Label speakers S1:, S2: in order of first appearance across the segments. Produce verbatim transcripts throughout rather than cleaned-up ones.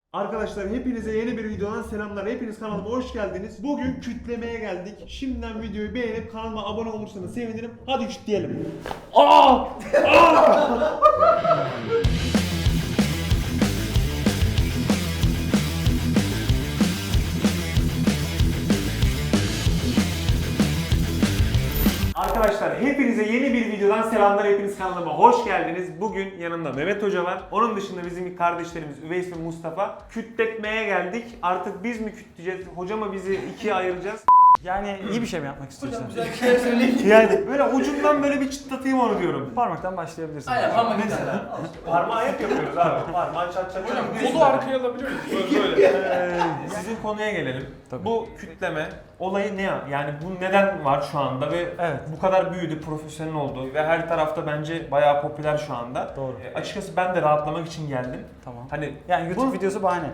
S1: Arkadaşlar hepinize yeni bir videodan selamlar. Hepiniz kanalıma hoş geldiniz. Bugün kütlemeye geldik. Şimdiden videoyu beğenip kanalıma abone olursanız sevinirim. Hadi kütleyelim. Aa! Aa! Arkadaşlar hepinize yeni bir videodan selamlar. Hepiniz kanalıma hoş geldiniz. Bugün yanımda Mehmet Hoca var. Onun dışında bizim kardeşlerimiz Üveys ve Mustafa. Kütletmeye geldik. Artık biz mi kütleyeceğiz? Hoca mı bizi ikiye ayıracağız?
S2: Yani iyi bir şey mi yapmak istiyorsun?
S3: Hocam güzel bir şeyler söyleyin.
S1: Yani böyle ucundan böyle bir çıtlatayım onu diyorum.
S2: Parmaktan başlayabilirsin.
S3: Aynen parmak
S1: Mesela parmağı hep yapıyoruz abi. Parmağı çat çat
S4: Hocam
S1: çat.
S4: kolu arkaya alabiliyor muyuz? Böyle böyle.
S1: Ee, Sizin konuya gelelim.
S2: Tabii.
S1: Bu kütleme olayı ne ya? Yani bu neden var şu anda ve
S2: Evet.
S1: bu kadar büyüdü, profesyonel oldu ve her tarafta bence bayağı popüler şu anda.
S2: Doğru.
S1: E, açıkçası ben de rahatlamak için geldim.
S2: Tamam.
S1: Hani
S2: Yani YouTube
S1: bu-
S2: videosu bahane.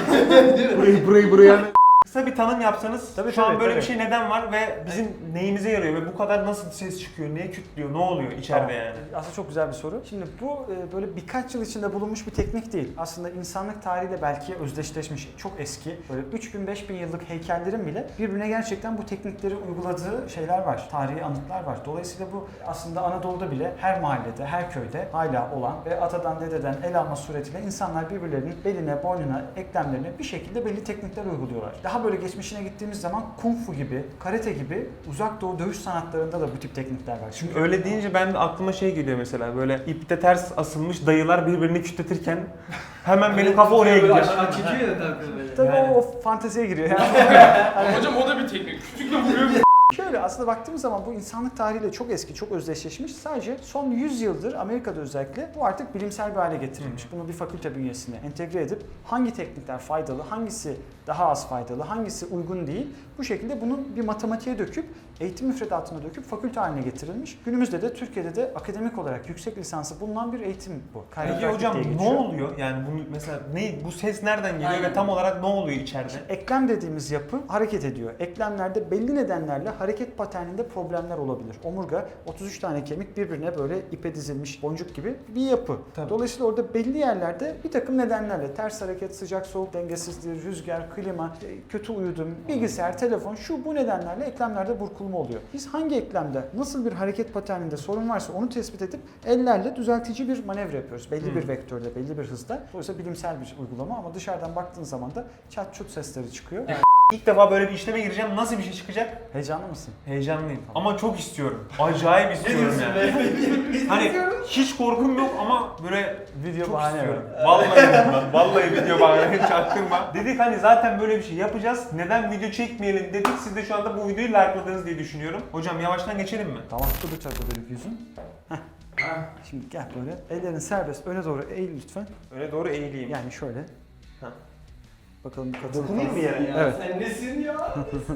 S1: burayı burayı buraya kısa bir tanım yapsanız
S2: Tabii,
S1: şu an
S2: tabii,
S1: böyle
S2: tabii.
S1: bir şey neden var ve bizim neyimize yarıyor ve bu kadar nasıl ses çıkıyor, neye kütlüyor, ne oluyor içeride
S2: Tamam.
S1: yani?
S2: Aslında çok güzel bir soru. Şimdi bu e, böyle birkaç yıl içinde bulunmuş bir teknik değil. Aslında insanlık tarihiyle belki özdeşleşmiş, çok eski. Böyle üç bin beş bin yıllık heykellerin bile birbirine gerçekten bu teknikleri uyguladığı şeyler var. Tarihi anıtlar var. Dolayısıyla bu aslında Anadolu'da bile her mahallede, her köyde hala olan ve atadan dededen el alma suretiyle insanlar birbirlerinin beline, boynuna, eklemlerine bir şekilde belli teknikler uyguluyorlar. Daha böyle geçmişine gittiğimiz zaman kung fu gibi, karate gibi uzak doğu dövüş sanatlarında da bu tip teknikler var.
S1: Şimdi öyle deyince ben de aklıma şey geliyor mesela böyle ipte ters asılmış dayılar birbirini kütletirken hemen benim kafa oraya gidiyor.
S3: Aşağı çekiyor ya tabii böyle.
S2: Tabii
S1: Yani.
S2: o, o fanteziye giriyor. Yani
S4: Hocam o da bir teknik. Küçükle vuruyor.
S2: şöyle aslında baktığımız zaman bu insanlık tarihiyle çok eski, çok özdeşleşmiş. Sadece son yüz yıldır Amerika'da özellikle bu artık bilimsel bir hale getirilmiş. Bunu bir fakülte bünyesine entegre edip hangi teknikler faydalı, hangisi daha az faydalı, hangisi uygun değil, bu şekilde bunu bir matematiğe döküp, eğitim müfredatına döküp fakülte haline getirilmiş. Günümüzde de Türkiye'de de akademik olarak yüksek lisansı bulunan bir eğitim bu.
S1: Peki
S2: Chiropractic
S1: hocam
S2: diye
S1: ne
S2: geçiyor.
S1: oluyor? Yani bunu mesela ne bu ses nereden geliyor
S3: Aynen.
S1: ve tam olarak ne oluyor içeride?
S2: Eklem dediğimiz yapı hareket ediyor. Eklemlerde belli nedenlerle hareket paterninde problemler olabilir. Omurga otuz üç tane kemik birbirine böyle ipe dizilmiş boncuk gibi bir yapı.
S1: Tabii.
S2: Dolayısıyla orada belli yerlerde bir takım nedenlerle ters hareket, sıcak soğuk dengesizliği, rüzgar, klima, kötü uyudum, bilgisayar, telefon şu bu nedenlerle eklemlerde burkulma oluyor. Biz hangi eklemde nasıl bir hareket paterninde sorun varsa onu tespit edip ellerle düzeltici bir manevra yapıyoruz. Belli
S1: Hmm.
S2: bir vektörde, belli bir hızda. Dolayısıyla bilimsel bir uygulama ama dışarıdan baktığın zaman da çat çut sesleri çıkıyor.
S1: İlk defa böyle bir işleme gireceğim. Nasıl bir şey çıkacak?
S2: Heyecanlı mısın?
S1: Heyecanlıyım. Ama çok istiyorum. Acayip istiyorum yani. Hani hiç korkum yok ama böyle
S2: Video
S1: çok
S2: bahane
S1: istiyorum.
S2: var.
S1: Vallahi ben, vallahi video bahane çaktırma. Dedik hani zaten böyle bir şey yapacağız. Neden video çekmeyelim dedik. Siz de şu anda bu videoyu like'ladınız diye düşünüyorum. Hocam yavaştan geçelim mi?
S2: Tamam, dur bıçak böyle yüzün. Heh. Şimdi gel böyle. Ellerin serbest. Öne doğru eğil lütfen.
S1: Öne doğru eğileyim.
S2: Yani şöyle.
S1: Ha.
S2: Bakalım bu kadın.
S1: Dokunayım mı yere?
S3: Ya
S2: Evet.
S3: sen nesin ya?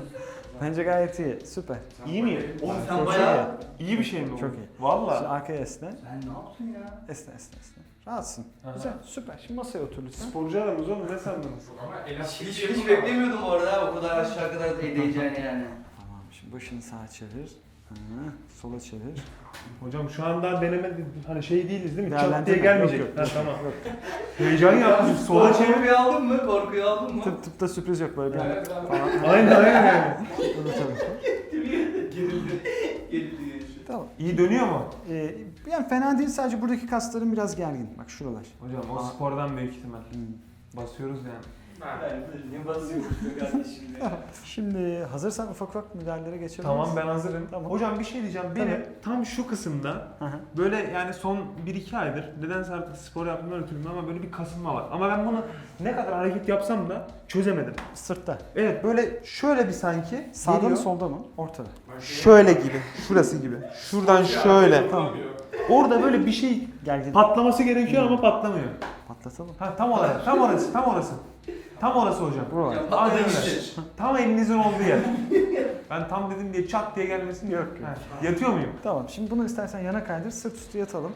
S2: Bence gayet iyi. Süper.
S1: İyi miyim?
S3: Oğlum
S2: Çok
S3: sen
S2: iyi.
S3: bayağı...
S1: İyi bir şey mi bu?
S2: Çok iyi. Şimdi
S1: Valla.
S2: arkaya esne.
S3: Sen ne yaptın ya?
S2: Esne esne esne. Rahatsın.
S1: Aha.
S2: Güzel. Süper. Şimdi masaya otur lütfen.
S1: Sporcu adamız oğlum ne sandınız?
S4: Ama
S3: Hiç,
S4: elastik
S3: hiç,
S4: yapı
S3: hiç
S4: var.
S3: beklemiyordum bu arada o kadar aşağı kadar değeceğini yani.
S2: Tamam. Şimdi başını sağa çevir. Hı, sola çevir.
S1: Hocam şu an daha deneme hani şey değiliz değil mi? Çat
S2: Değerlendirme.
S1: diye gelmeyecek.
S2: Yok, yok,
S1: Ha,
S2: yok.
S1: tamam.
S2: Yok.
S1: Heyecan yaptım. Sola çevir.
S3: Korkuyu aldın mı? Korkuyu aldın mı?
S2: Tıp, tıpta sürpriz yok böyle bir anda.
S4: Evet, abi.
S2: Falan.
S1: Aynen aynen.
S2: Tabii, tabii.
S3: Gerildi. Gerildi. Gerildi.
S2: Tamam.
S1: İyi dönüyor mu?
S2: Ee, yani fena değil, sadece buradaki kasların biraz gergin. Bak şuralar.
S1: Hocam o
S2: Aa.
S1: spordan büyük ihtimal.
S2: Hmm.
S1: Basıyoruz yani.
S4: Ha.
S3: Yani ne basıyorsun be kardeşim ya?
S2: Şimdi hazırsan ufak ufak müdahalelere geçebiliriz.
S1: Tamam ben hazırım.
S2: Tamam.
S1: Hocam bir şey diyeceğim. Benim
S2: Tabii.
S1: tam şu kısımda
S2: Hı hı.
S1: böyle yani son bir iki aydır nedense artık spor yaptığımdan ötürü ama böyle bir kasılma var. Ama ben bunu ne kadar hareket yapsam da çözemedim.
S2: Sırtta.
S1: Evet böyle şöyle bir sanki
S2: Sağda mı
S1: geliyor.
S2: solda mı? Ortada.
S1: Şöyle gibi. Şurası gibi. Şuradan şöyle.
S2: Tamam.
S1: Orada böyle bir şey
S2: Gergin.
S1: patlaması gerekiyor ama patlamıyor.
S2: Patlatalım.
S1: Ha tam olarak. Tam orası. Tam orası. Tam orası hocam.
S2: Buralar.
S3: Ya
S1: Aynen
S3: patladı
S1: öyle.
S3: işte.
S1: Tam elinizin olduğu yer. Ben tam dedim diye çat diye gelmesin.
S2: Yok, yok.
S1: Ha, yatıyor muyum?
S2: Tamam. Şimdi bunu istersen yana kaydır. Sırt üstü yatalım.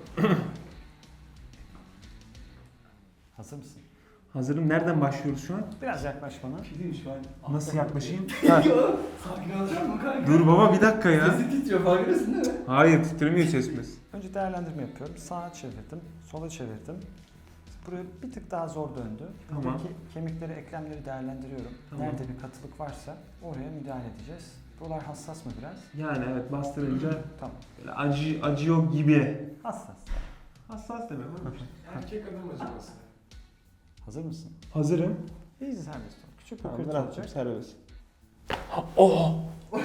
S2: Hazır mısın?
S1: Hazırım. Nereden başlıyoruz şu an?
S2: Biraz yaklaş bana.
S3: Gidin şu an.
S1: Nasıl yaklaşayım?
S3: Sakin olacak mı kanka?
S1: Dur baba bir dakika ya.
S3: Sesi titriyor farkındasın değil mi?
S1: Hayır titremiyor sesimiz.
S2: Önce değerlendirme yapıyorum. Sağa çevirdim. Sola çevirdim. Buraya bir tık daha zor döndü.
S1: Tamam.
S2: Buradaki kemikleri, eklemleri değerlendiriyorum.
S1: Tamam.
S2: Nerede bir katılık varsa oraya müdahale edeceğiz. Buralar hassas mı biraz?
S1: Yani evet bastırınca
S2: Tamam.
S1: böyle acı, acıyor gibi.
S2: Hassas.
S1: Hassas demek mi?
S4: Erkek adam acıması.
S2: Hazır mısın?
S1: Hazırım.
S2: İyice serbest ol. Küçük bir
S1: Tamam,
S2: kırık
S1: bıraktım
S2: olacak.
S1: serbest. Oh!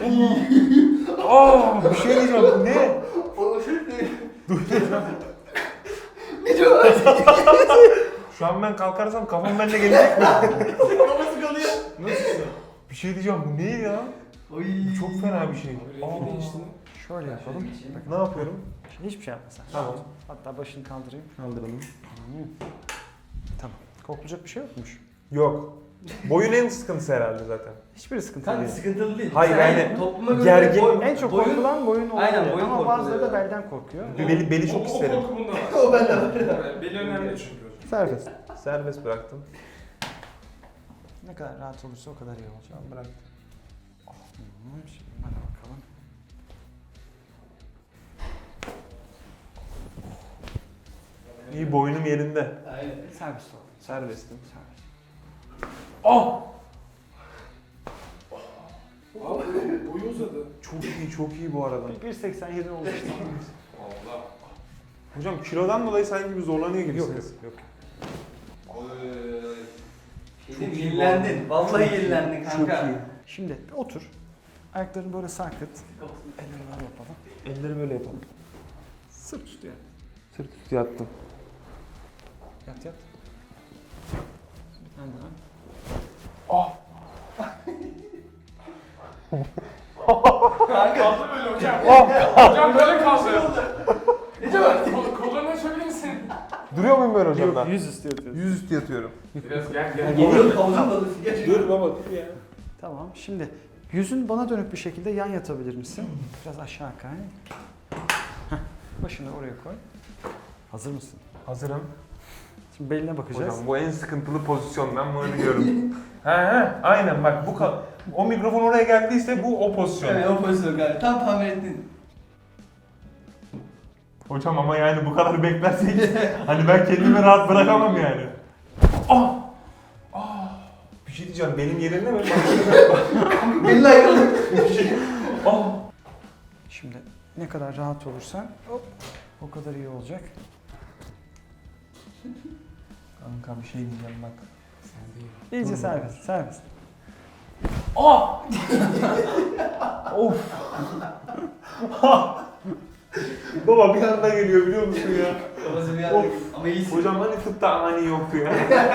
S1: Oh! Bir şey diyeceğim. Ne?
S3: O şey değil.
S1: Şu an ben kalkarsam kafam benimle gelecek mi?
S3: Kafası kalıyor.
S4: Nasılsın?
S1: Bir şey diyeceğim. Bu ne ya?
S3: Oy.
S1: Bu çok fena bir şey.
S4: Rengi değişti.
S2: Şöyle yapalım.
S1: Ne yapıyorum?
S2: Şimdi hiçbir şey yapma sen.
S1: Tamam.
S2: Hatta başını kaldırayım.
S1: Kaldıralım.
S2: Tamam. Korkulacak bir şey yokmuş.
S1: Yok. Boyun en sıkıntısı herhalde zaten.
S2: Hiçbir sıkıntı
S3: Kanka
S2: değil.
S3: sıkıntılı değil.
S1: Hayır,
S3: Sen
S1: yani
S3: topluma göre
S1: gergin-
S3: boy-
S2: En çok
S3: boyun-
S2: korkulan boyun oluyor.
S3: Aynen, boyun
S2: Ama
S3: korkuluyor.
S2: bazıları da belden korkuyor.
S1: Bir beli, beli çok
S4: O-
S1: isterim.
S4: O korku bunda var.
S3: O bende var.
S4: Evet, beli önemli çünkü.
S2: Serbest.
S1: Serbest bıraktım.
S2: Ne kadar rahat olursa o kadar iyi olacak.
S1: Tamam bıraktım.
S2: Tamam, şimdi hadi bakalım.
S1: İyi boynum yerinde.
S3: Aynen.
S2: Serbest ol.
S1: Serbestim.
S2: Serbest.
S1: Oh!
S4: Abi boyu uzadı.
S1: Çok iyi, çok iyi bu arada.
S2: bir seksen yedi oldu işte.
S4: Allah.
S1: Hocam kilodan dolayı sanki bir zorlanıyor
S2: Yok
S1: gibisiniz.
S2: yok. yok.
S3: Şeyde yenilendin. Vallahi yenilendin
S1: Çok
S3: kanka.
S1: iyi.
S2: Şimdi bir otur. Ayaklarını böyle sarkıt. Elleri böyle yapalım.
S1: Elleri böyle yapalım.
S2: Sırt üstü yat.
S1: Sırt üstü yattım.
S2: Yat yat. Bir tane daha.
S4: Kaldı böyle hocam. Hocam böyle kaldı.
S3: Nece var?
S4: Kol- Kollarını açabilir misin?
S1: Duruyor muyum böyle hocam
S2: Yok,
S1: ben?
S2: yüz üstü yatıyorsun.
S1: Yüz üstü yatıyorum.
S4: Biraz gel gel.
S3: Geliyor kavuzun balığı.
S1: Dur baba dur ya.
S2: Tamam. Şimdi yüzün bana dönük bir şekilde yan yatabilir misin? Biraz aşağı kay. Heh, başını oraya koy. Hazır mısın?
S1: Hazırım.
S2: Şimdi beline bakacağız.
S1: Hocam bu en sıkıntılı pozisyon, ben bunu biliyorum. he he aynen bak bu ka- o mikrofon oraya geldiyse bu o pozisyon.
S3: Evet o pozisyon kanka. Tam tahmin ettin.
S1: Hocam ama yani bu kadar beklersek hani ben kendimi rahat bırakamam yani. Ah! Ah! Bir şey diyeceğim, benim yerimde mi?
S3: Belli ayrıldı.
S1: Ah!
S2: Şimdi ne kadar rahat olursan hop, o kadar iyi olacak.
S1: Kanka bir şey diyeceğim bak.
S2: İyice
S1: Dur.
S2: serbest, serbest.
S1: Ah! Of! Baba bir anda geliyor biliyor musun ya?
S3: Kafası bir
S1: Of.
S3: yerde. Ama iyisin.
S1: Hocam hani tıpta ani yoktu ya.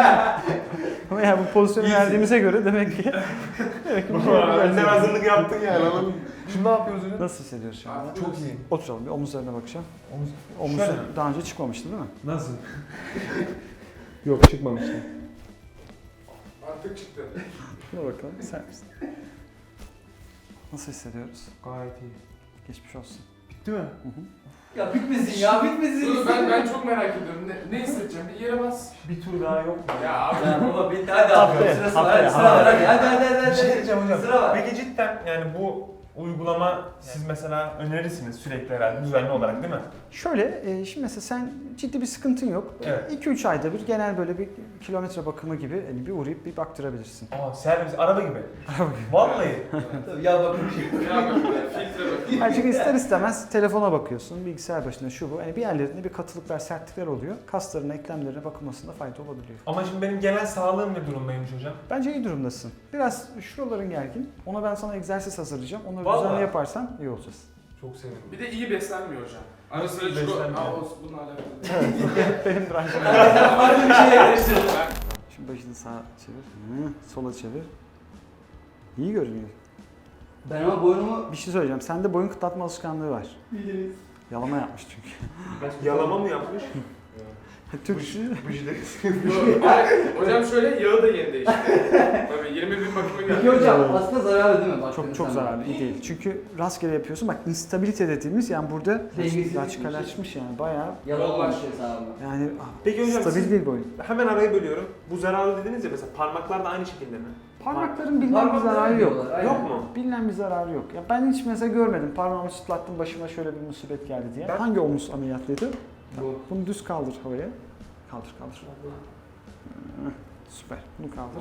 S2: Ama yani bu pozisyonu
S3: İyisin.
S2: verdiğimize göre demek ki demek ki bir şey yapacağız
S1: Önden
S2: yani.
S1: hazırlık yaptın yani anladın mı? Şimdi ne yapıyoruz hocam?
S2: Nasıl hissediyorsun şu anda?
S1: Çok iyi.
S2: Oturalım bir omuzlarına bakacağım.
S1: Omuz.
S2: Omuz
S1: Şöyle mi?
S2: daha önce çıkmamıştı değil mi?
S1: Nasıl? Yok çıkmamıştı.
S4: Artık çıktı.
S2: Şuna bakalım. Serbest. Nasıl hissediyoruz?
S1: Gayet iyi.
S2: Geçmiş olsun.
S1: Bitti mi?
S2: Hı hı.
S3: Ya bitmesin ya bitmesin.
S4: Dur ben ben çok merak ediyorum. Ne, ne hissedeceğim? Bir yere bas.
S1: Bir tur daha yok mu?
S4: Ya abi.
S3: Ya baba bitti hadi
S2: Haftaya,
S3: abi. Sırası var.
S2: haftaya,
S3: Hadi sıra var hadi. Hadi hadi hadi.
S1: Bir şey
S3: hadi.
S1: diyeceğim hocam.
S3: Sıra var.
S1: Peki cidden yani bu uygulama siz mesela önerirsiniz sürekli herhalde düzenli olarak değil mi?
S2: Şöyle, e, şimdi mesela sen ciddi bir sıkıntın yok.
S1: Evet.
S2: iki üç ayda bir genel böyle bir kilometre bakımı gibi hani bir uğrayıp bir baktırabilirsin.
S1: Aa servis araba gibi. Vallahi.
S3: Tabii ya bakın bir şey.
S4: Ya bak filtre bak.
S2: Yani çünkü ister istemez telefona bakıyorsun, bilgisayar başında şu bu. Hani bir yerlerinde bir katılıklar, sertlikler oluyor. Kaslarına, eklemlerine bakılmasında fayda olabiliyor.
S1: Ama şimdi benim genel sağlığım ne durumdaymış hocam?
S2: Bence iyi durumdasın. Biraz şuraların gergin. Ona ben sana egzersiz hazırlayacağım. Onları
S1: Vallahi.
S2: düzenli yaparsan iyi olacağız.
S1: Çok sevindim.
S4: Bir de iyi beslenmiyor hocam. Ara sıra
S1: İyi
S4: çikolata.
S1: beslenmiyor.
S4: Aa o bununla alakalı.
S2: Benim branşım.
S3: Farklı bir şeye karıştırdın.
S2: Şimdi başını sağa çevir. Hı, sola çevir. İyi görünüyor.
S3: Ben ama boynumu
S2: Bir şey söyleyeceğim. Sende boyun kıtlatma alışkanlığı var.
S3: biliriz.
S2: Yalama yapmış çünkü.
S1: Yalama mı yapmış?
S2: Türkçü.
S4: Hayır, hocam şöyle yağı da yeni değişti. Tabii yirmi bin bakıma geldi.
S3: Peki hocam aslında zararlı değil mi? Baktığın
S2: Çok çok
S3: zaman?
S2: zararlı, iyi değil. Çünkü rastgele yapıyorsun. Bak instabilite dediğimiz yani burada
S3: Dengesizlik
S2: laçkalaşmış yani bayağı
S3: Yalan olmuş şey sana bu.
S2: yani
S1: Peki hocam
S2: stabil
S1: siz-
S2: değil boyun.
S1: Hemen arayı bölüyorum. Bu zararlı dediniz ya mesela parmaklar da aynı şekilde mi?
S2: Parmakların bilinen bir
S3: Parmakları
S2: zararı yok.
S3: diyorlar, aynen.
S1: Yok mu?
S2: Bilinen bir zararı yok. Ya ben hiç mesela görmedim. Parmağımı çıtlattım başıma şöyle bir musibet geldi diye.
S1: Ben-
S2: Hangi omuz ameliyatlıydı?
S3: Bu.
S2: Bunu düz kaldır havaya. Kaldır kaldır. Hı, süper. Bunu kaldır.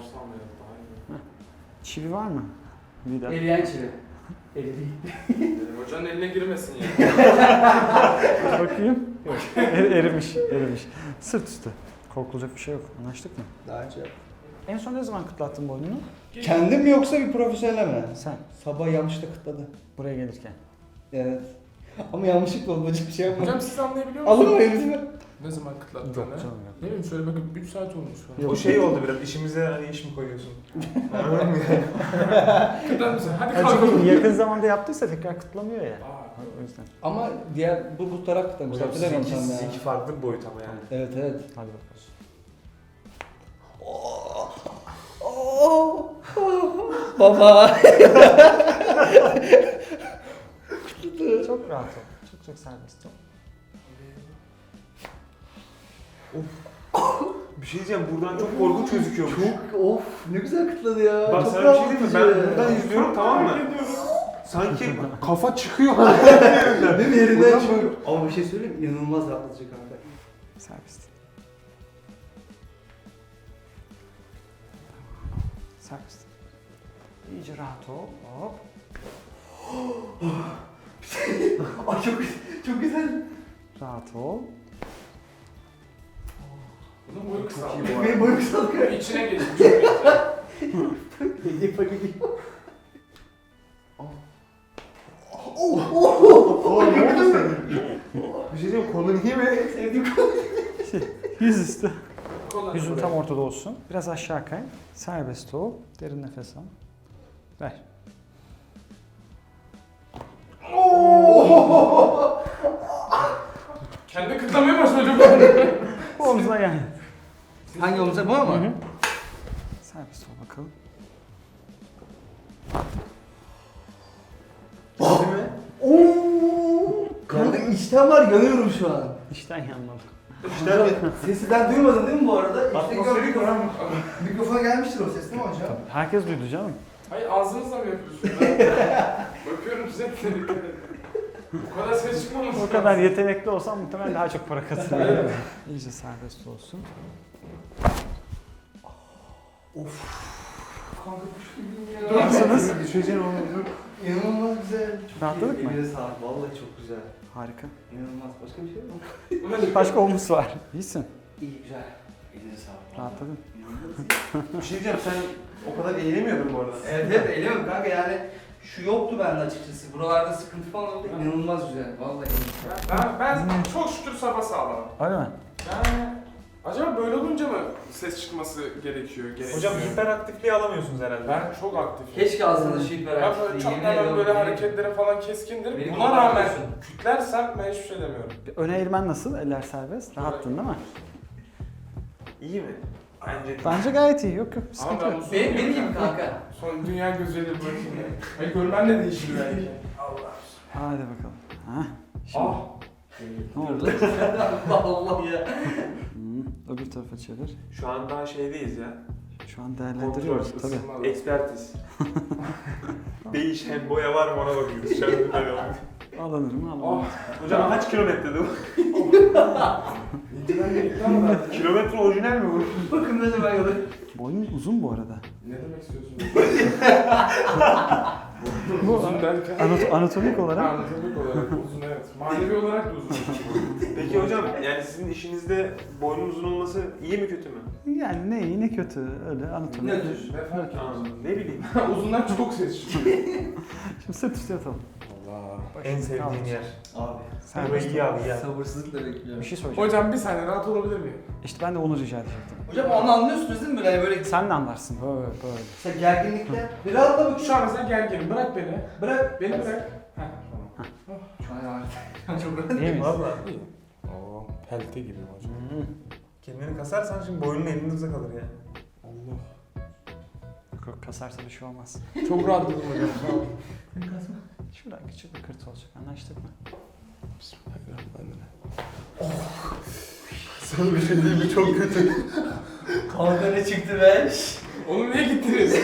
S2: Çivi var mı? Vida.
S3: Eriyen çivi. Eri değil.
S4: Benim hocanın eline girmesin ya.
S2: Bakayım. Yok. Er, erimiş. Erimiş. Sırt üstü. Korkulacak bir şey yok. Anlaştık mı?
S5: Daha önce.
S2: En son ne zaman kıtlattın boynunu?
S5: Kendim mi yoksa bir profesyonel mi?
S2: Sen.
S5: Sabah yanlışlıkla kıtladı.
S2: Buraya gelirken.
S5: Evet. Ama yanlışlıkla oldu, başka bir şey yapmadım.
S4: Hocam siz anlayabiliyor musunuz?
S5: Alın mı elinizi?
S4: Ne zaman kıtlattığını?
S2: Yok canım yok.
S4: Ne bileyim şöyle bakın üç saat olmuş falan.
S1: O şey oldu biraz, işimize hani iş mi koyuyorsun? Anladın mı?
S4: Kıtlar mısın? Hadi
S2: Ya
S4: kalkalım.
S2: çünkü yakın zamanda yaptıysa tekrar kıtlamıyor ya.
S4: Aa,
S2: O yüzden.
S5: Ama diğer bu bu taraf kıtlamış.
S1: Hocam
S5: Hatırlamıyorum
S1: sizinki,
S5: tam ya.
S1: sizinki farklı bir boyut ama yani.
S5: Evet evet.
S2: Hadi bakalım.
S5: Baba.
S2: Çok rahat ol. Çok çok serbest ol.
S1: Bir şey diyeceğim, buradan çok korkunç gözüküyormuş.
S5: Çok of ne güzel kıtladı ya.
S1: Bak
S5: Çok
S1: sana bir şey diyeyim mi? Ben
S5: rahatlatıcı.
S1: buradan izliyorum, tamam mı? Sanki kafa çıkıyor.
S5: Değil mi yerinden çıkıyor. Ama bir şey söyleyeyim mi? İnanılmaz rahatlatıcı kanka.
S2: Serbest. Serbest. İyice rahat ol. Hop.
S5: Ay çok çok güzel.
S2: Rahat ol.
S4: bunun boyu kısa.
S5: Benim boyum kısaldı.
S4: İçine geçmiş.
S5: Hediye paketi.
S1: Bir şey diyeyim, kolun iyi mi?
S5: Sevdiğim konu.
S2: Yüz üstü.
S4: Kolay
S2: Yüzün
S4: buraya.
S2: tam ortada olsun. Biraz aşağı kay. Serbest ol. Derin nefes al. Ver.
S4: Kendi kıtlamaya başladı çocuk.
S2: Bu omzuna gel.
S5: Hangi omuza bu ama?
S2: Hı hı. Serbest ol bakalım.
S5: Değil mi? Oo! Kanka içten var yanıyorum şu an.
S2: İşten yanmadı.
S5: İşte sesi ben duymadın değil mi bu arada? İşte
S1: Atmosferik
S5: mikrofon, mikrofona gelmiştir o ses değil mi hocam?
S2: Herkes duydu canım.
S4: Hayır ağzınızla mı yapıyorsunuz? Ben bakıyorum size dikkat edin. Bu kadar ses çıkmaması
S2: O kadar yetenekli olsam muhtemelen daha çok para kazanırım. İyice serbest olsun.
S5: Kanka kuş gibiyim ya.
S2: Nasılsınız?
S1: Bir şey diyeceğim, onu
S5: İnanılmaz güzel. Çok
S2: Rahatladık
S5: iyi.
S2: mı?
S5: Eline sağlık. Vallahi çok güzel.
S2: Harika.
S5: İnanılmaz. Başka bir şey yok mu?
S2: Başka omuz var. İyisin.
S5: İyi güzel. Eline sağlık.
S2: Rahatladın.
S5: İnanılmaz.
S1: bir şey diyeceğim, sen o kadar eğilemiyordun bu arada.
S5: Evet evet eğleniyorum kanka yani şu yoktu bende açıkçası. Buralarda sıkıntı falan oldu. İnanılmaz güzel. Vallahi
S4: Ben, ben çok şükür sabah sağlam.
S2: Öyle mi?
S4: Yani acaba böyle olunca mı ses çıkması gerekiyor? gerekiyor?
S1: Hocam hiperaktifliği alamıyorsunuz herhalde.
S4: ben çok aktifim.
S5: keşke ağzında şu hiper
S4: Ben böyle çok hemen böyle hareketlerim falan keskindir.
S5: Beni
S4: Buna rağmen
S5: korkutuyorsun.
S4: kütlersem ben hiçbir şey demiyorum.
S2: Bir öne eğilmen nasıl? Eller serbest. Rahattın değil mi?
S1: İyi mi? Bence
S2: Bence gayet iyi. Yok yok.
S4: Ama
S2: Sıkıntı
S4: ben
S2: yok.
S4: bu son
S5: Benim, benim gibi kanka.
S4: Son dünya gözüyle bakayım ya. Hayır görmen de değişir belki. Allah.
S2: Hadi bakalım. Ha. Şimdi
S4: Ah.
S2: ne oldu?
S5: Allah ya.
S2: Hmm, öbür tarafa çevir.
S1: şu an daha şeydeyiz ya.
S2: Şu an değerlendiriyoruz
S1: Kontrol,
S2: tabii.
S4: ısınma.
S1: Ekspertiz. Değişen boya var mı ona bakıyoruz. Şu an böyle oldu.
S2: Alınır mı alınır.
S4: Ah.
S1: Hocam kaç kilometrede bu?
S4: İnceden gerekli ama ben...
S1: Kilometre orijinal mi bu?
S5: Bakın ne zaman yolu.
S2: Boyun uzun bu arada.
S4: Ne demek istiyorsun?
S2: Bu
S4: Uzun derken...
S2: Anat- anatomik olarak.
S4: Anatomik olarak uzun evet. Manevi olarak da uzun.
S1: Peki hocam, yani sizin işinizde boynun uzun olması iyi mi kötü mü?
S2: Yani ne iyi ne kötü öyle anatomik.
S5: Nedir?
S4: Ne fark ediyor?
S1: Anladım. Ne bileyim.
S4: Uzundan çok ses çıkıyor.
S2: Şimdi sırt üstü yatalım.
S4: Allah.
S1: En sevdiğim yer.
S5: Abi.
S2: Sen
S1: Burayı iyi abi ya.
S5: Sabırsızlıkla bekliyorum.
S2: bir şey söyleyeceğim.
S4: Hocam bir saniye rahat olabilir miyim?
S2: İşte ben de onu rica edecektim.
S5: Hocam onu anlıyorsunuz değil mi böyle? Yani böyle
S2: Sen de anlarsın böyle böyle.
S5: işte gerginlikte. Bir rahatla bak
S4: Şu an mesela gerginim. Bırak beni.
S5: Bırak.
S4: Beni bırak. Heh, tamam.
S5: Şu an ya. Çok rahat.
S2: İyi miyiz?
S1: Valla.
S4: Oo, pelte gibi hocam.
S2: Hmm.
S1: Kendini kasarsan şimdi boynun elinizde kalır ya.
S4: Allah.
S2: Yok, yok, kasarsa bir şey olmaz.
S4: Çok rahatladım hocam. Sağ olun.
S2: Şuradan küçük bir kırt olacak. Anlaştık mı?
S4: Bismillahirrahmanirrahim.
S1: Sana bir şey diyeyim mi? Çok kötü.
S5: Kanka ne çıktı be?
S4: Oğlum niye gittiniz?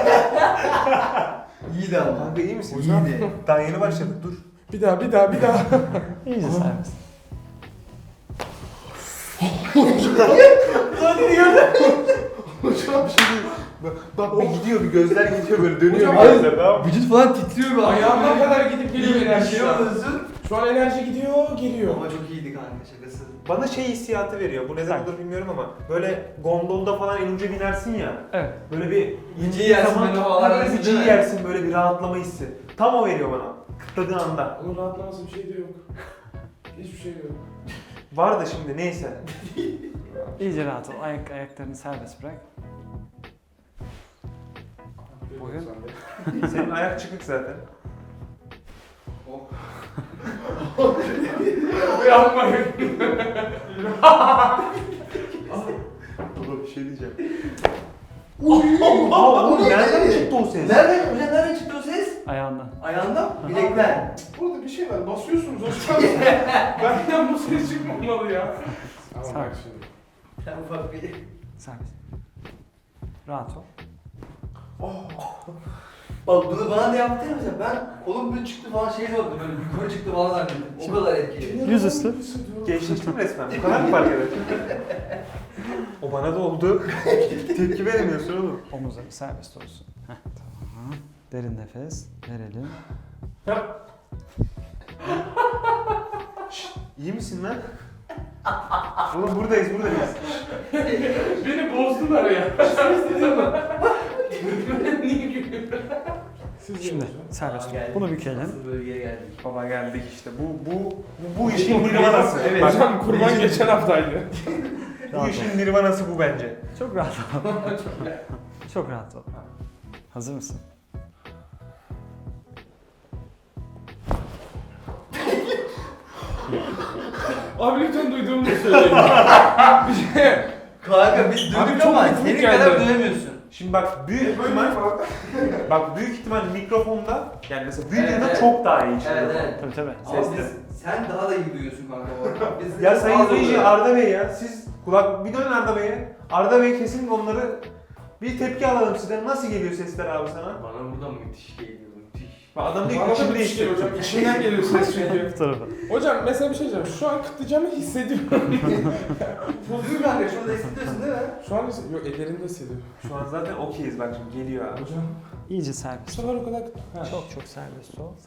S5: İyiydi ama.
S1: Kanka iyi misin?
S5: Hocam.
S1: İyiydi. Daha yeni başladık, dur.
S4: Bir daha, bir daha, bir daha.
S2: İyice serbest.
S1: Hocam şimdi bak, bak bir gidiyor, bir gözler gidiyor böyle dönüyor
S4: Hocam,
S1: bir gözler, tamam mı?
S5: Vücut falan titriyor be.
S4: Ayağıma kadar gidip geliyor enerji şu an.
S5: Yaşıyorsun.
S4: Şu an enerji gidiyor, geliyor.
S5: Ama çok iyiydi kanka şakası.
S1: Bana şey hissiyatı veriyor, bu neden
S2: Sanki.
S1: olur bilmiyorum ama böyle gondolda falan en uca binersin ya,
S2: Evet.
S1: böyle bir
S5: İnciyi
S1: indiğin
S5: yersin,
S1: zaman
S5: böyle havalar
S1: böyle
S5: arası
S1: bir
S5: değil mi?
S1: yersin, böyle bir rahatlama hissi. Tam o veriyor bana, kıtladığın anda.
S4: Onun rahatlaması bir şey de yok. Hiçbir şey yok.
S1: Var da şimdi neyse.
S2: İyice rahat ol. Ayak, ayaklarını serbest bırak. Bugün-
S1: Senin ayak çıkık zaten.
S4: Yapmayın.
S1: Baba bir şey diyeceğim. Oha oğlum nereden çıktı o ses?
S5: Nereden? Hocam nereden çıktı o ses?
S2: Ayağından.
S5: Ayağından? Bilekten.
S4: Burada bir şey var, basıyorsunuz hocam. Benden bu ses çıkmamalı ya. Tamam
S2: Sağ ol.
S4: bak şimdi.
S5: Sen ufak bir...
S2: Serbest. Rahat ol.
S5: Bak bunu bana da yaptı ya hocam. Ben kolum böyle çıktı falan şey oldu böyle yukarı çıktı falan zannettim. O kadar etkili.
S2: Yüzüstü.
S1: Gençleştim resmen. Bu kadar mı fark eder? O bana da oldu. Tepki veremiyorsun oğlum.
S2: Omuzları serbest olsun. Heh, tamam. Derin nefes verelim.
S1: İyi misin lan? Oğlum buradayız buradayız.
S4: Beni bozdular ya. Niye gülüyorsun? Siz
S2: Şimdi
S4: yiyin hocam.
S2: serbest
S5: Aa,
S2: ol.
S5: geldik.
S2: Bunu bükelim.
S5: Asıl bölgeye geldik.
S1: Baba geldik işte. Bu bu bu, bu işin nirvanası.
S5: Evet.
S1: Bak,
S4: Hocam kurban geçen haftaydı.
S1: bu işin nirvanası bu bence.
S2: Çok rahat ol. Çok rahat ol. Hazır mısın?
S4: Abi lütfen duyduğumu söyleyin. Bir şey.
S5: Kanka biz
S4: Abi
S5: dövdük
S4: çok
S5: ama
S4: ritmik
S5: senin
S4: geldi.
S5: kadar dövemiyorsun.
S1: Şimdi bak büyük ihtimal bak büyük ihtimal mikrofonda yani mesela büyük
S5: Evet,
S1: ihtimal
S5: evet.
S1: çok daha iyi çıkıyor.
S5: Evet evet.
S2: Tabii tabii.
S5: Ama
S1: Sesli.
S5: biz, sen daha da iyi duyuyorsun kanka orada. Biz
S1: Ya sayın
S5: az
S1: reji
S5: oluyor.
S1: Arda Bey ya siz kulak bir dönün Arda Bey'e. Arda Bey kesin onları bir tepki alalım sizden. Nasıl geliyor sesler abi sana?
S5: Bana buradan müthiş geliyor müthiş.
S1: Bak adam diyor
S4: Bana
S1: ki
S4: da
S1: içim
S4: bir şey
S1: değişti.
S4: hocam. İçinden geliyor ses çünkü.
S2: Bu tarafa.
S4: Hocam mesela bir şey diyeceğim. Şu an kıtlayacağımı hissediyorum.
S5: Değil mi kanka? Şurada hissediyorsun değil mi?
S4: Şu an hissediyorum. Yok ellerinde hissediyorum.
S1: Şu an zaten okeyiz bak şimdi geliyor abi.
S4: Hocam.
S2: İyice
S4: Bu
S2: serbest.
S4: sefer o kadar kıt. Ha.
S2: Çok çok serbest ol.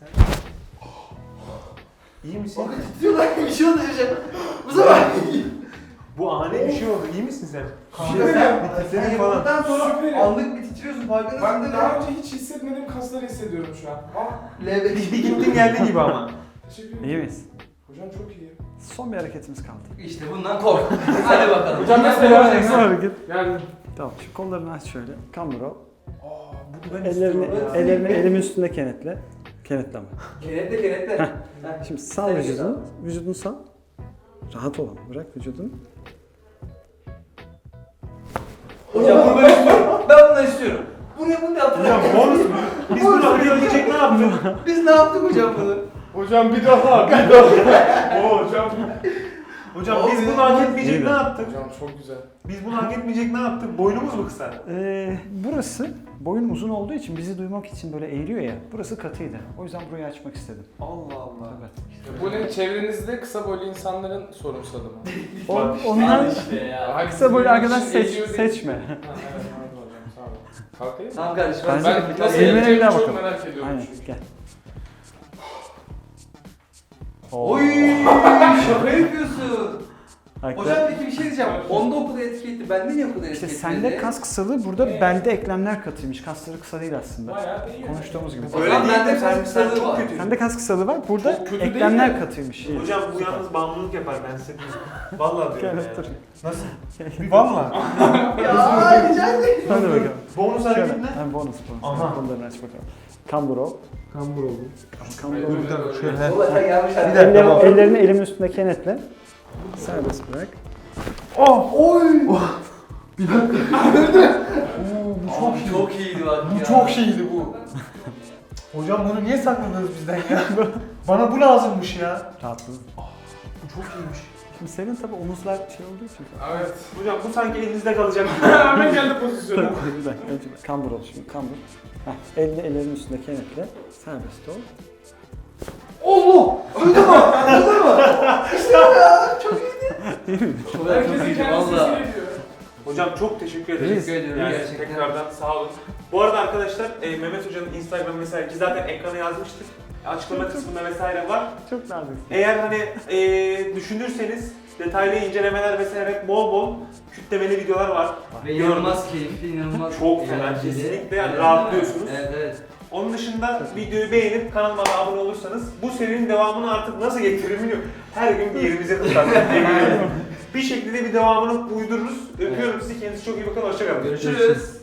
S1: İyi misin?
S5: Bakın titriyorlar bir şey oldu hocam. Bu sefer.
S1: Bu ani bir şey oldu. İyi misin sen?
S5: Kanka
S1: Bir şey-
S5: sen,
S1: bir
S5: sen
S1: titredim falan.
S5: yaptıktan sonra
S4: Süper.
S5: anlık bir titriyorsun farkındasın
S4: Ben
S5: değil
S4: daha
S5: mi?
S4: önce hiç hissetmediğim kasları hissediyorum şu an. Aa,
S5: L B
S1: Bir gittin geldi gibi ama.
S4: teşekkür ederim.
S2: İyi miyiz?
S4: Hocam çok iyi.
S2: Son bir hareketimiz kaldı.
S5: İşte bundan kork. Hadi bakalım.
S4: Hocam
S5: Bundan
S4: mesela-
S5: devam edelim.
S2: Son hareket.
S4: Yani.
S2: Tamam. Şu kollarını aç şöyle. Kambur ol.
S4: Aa, bu
S1: Ben
S2: Ellerini,
S1: istiyorum ya.
S2: ellerini elimin üstünde kenetle. Kenetleme.
S5: Kenetle kenetle. Heh.
S2: Şimdi sal vücudunu. Vücudunu sal. Rahat ol. Bırak vücudunu.
S5: Hocam bunu ben istiyorum. Ben bunu istiyorum. Bunu bunu yaptık.
S1: Hocam bonus mu? Biz bunu hak edecek ne yaptık?
S5: Biz ne yaptık hocam bunu?
S4: Hocam bir daha, bir daha. Oo hocam.
S1: Hocam biz bunu hak etmeyecek
S2: İyi
S1: ne
S2: be.
S1: yaptık?
S4: Hocam çok güzel.
S1: Biz bunu hak etmeyecek ne yaptık? Boynumuz mu kısa?
S2: Ee, burası boyun uzun olduğu için bizi duymak için böyle eğiliyor ya. Burası katıydı. O yüzden burayı açmak istedim.
S1: Allah Allah.
S2: Evet.
S4: Bu ne? Çevrenizde kısa boylu insanların sorumsalı mı?
S2: O,
S1: Bak işte.
S2: onlar
S5: işte ya.
S4: Hayır,
S2: kısa boylu
S4: bizim
S2: arkadaş
S4: için
S2: seç,
S4: eğiliyor değil.
S2: seçme.
S4: Ha, evet pardon hocam sağ olun. Kalkayım mı?
S5: Tamam kardeşim.
S2: Ben-
S4: Ben
S5: Ben
S4: nasıl
S2: Eğilmene bir
S4: eğileceğimi
S2: daha
S4: çok
S2: bakalım.
S4: merak ediyorum
S2: Aynen
S4: çünkü.
S2: gel.
S5: Oy şaka yapıyorsun.
S2: Ayakta-
S5: Hocam peki bir şey diyeceğim. Onda o kadar etki etti. Bende niye o kadar etki
S2: İşte
S5: etmedi?
S2: sende kas kısalığı, burada belde eklemler katıymış. Kasları kısa değil aslında.
S4: Bayağı iyi.
S2: Konuştuğumuz gibi.
S5: O
S1: Öyle
S5: zaman
S1: değil
S5: bende
S1: de sen,
S5: kas
S1: sen
S5: kısalığı
S1: çok
S5: var.
S1: kötüsün.
S2: Sende kas kısalığı var, burada
S4: Çok kötü değil
S2: eklemler
S4: mi?
S2: katıymış.
S1: Hocam bu
S2: Süper.
S1: yalnız bağımlılık yapar ben size diyeyim. Vallahi diyorum
S2: Gel
S1: ya.
S2: dur.
S1: Nasıl? Vallahi.
S5: Ya rica ederim.
S2: Hadi bakalım.
S1: Bonus
S2: Şöyle.
S1: hareket ne?
S2: Ha, bonus bonus.
S1: Aha.
S2: Kollarını aç bakalım. Kambur ol.
S1: Kambur oldu.
S2: Kambur
S4: Hayır,
S2: ol.
S4: öyle, öyle.
S1: Şöyle.
S5: Baba sen yanlış
S1: Bir
S5: anladın.
S1: dakika.
S2: Ellerini,
S1: baba.
S2: ellerini elimin üstünde kenetle. Serbest bırak.
S1: Oh!
S5: Oy.
S1: Bir dakika. Oo, bu çok
S5: Abi
S1: iyi.
S5: çok iyiydi bak
S1: Bu
S5: ya.
S1: çok şeydi bu. Hocam bunu niye sakladınız bizden ya? Bana bu lazımmış ya.
S2: Rahatladın.
S1: Bu çok iyiymiş.
S2: Şimdi senin tabi omuzlar şey olduğu için.
S4: Evet.
S1: Hocam bu sanki elinizde kalacak.
S4: Hemen geldi pozisyona.
S2: bir dakika. Önce kambur ol şimdi. Kambur. Heh, elini ellerin üstünde kenetle. Serbest ol.
S5: Allah! Duydun mu? Duydun mu? İşte bu ya. Çok iyiydi.
S4: Herkesin
S5: iyi,
S4: kendi
S5: valla.
S4: sesini diyor.
S1: Hocam çok teşekkür ederiz.
S5: Teşekkür ediyorum
S1: Yani
S5: gerçekten.
S1: tekrardan sağ olun. Bu arada arkadaşlar e, Mehmet Hoca'nın Instagram vesaire ki zaten ekrana yazmıştık. Açıklama kısmında vesaire var.
S2: Çok nazik.
S1: Eğer hani e, düşünürseniz detaylı incelemeler vesaire bol bol kütlemeli videolar var.
S5: Ve inanılmaz keyifli, inanılmaz
S1: Çok fena,
S5: eğlenceli.
S1: kesinlikle yani
S5: Evet,
S1: rahatlıyorsunuz.
S5: Evet, evet.
S1: Onun dışında videoyu beğenip kanalıma da abone olursanız bu serinin devamını artık nasıl getiririm bilmiyorum. Her gün bir yerimize tutarsak bir şekilde bir devamını uydururuz. Öpüyorum sizi. Kendinize çok iyi bakın. Hoşçakalın.
S5: Görüşürüz.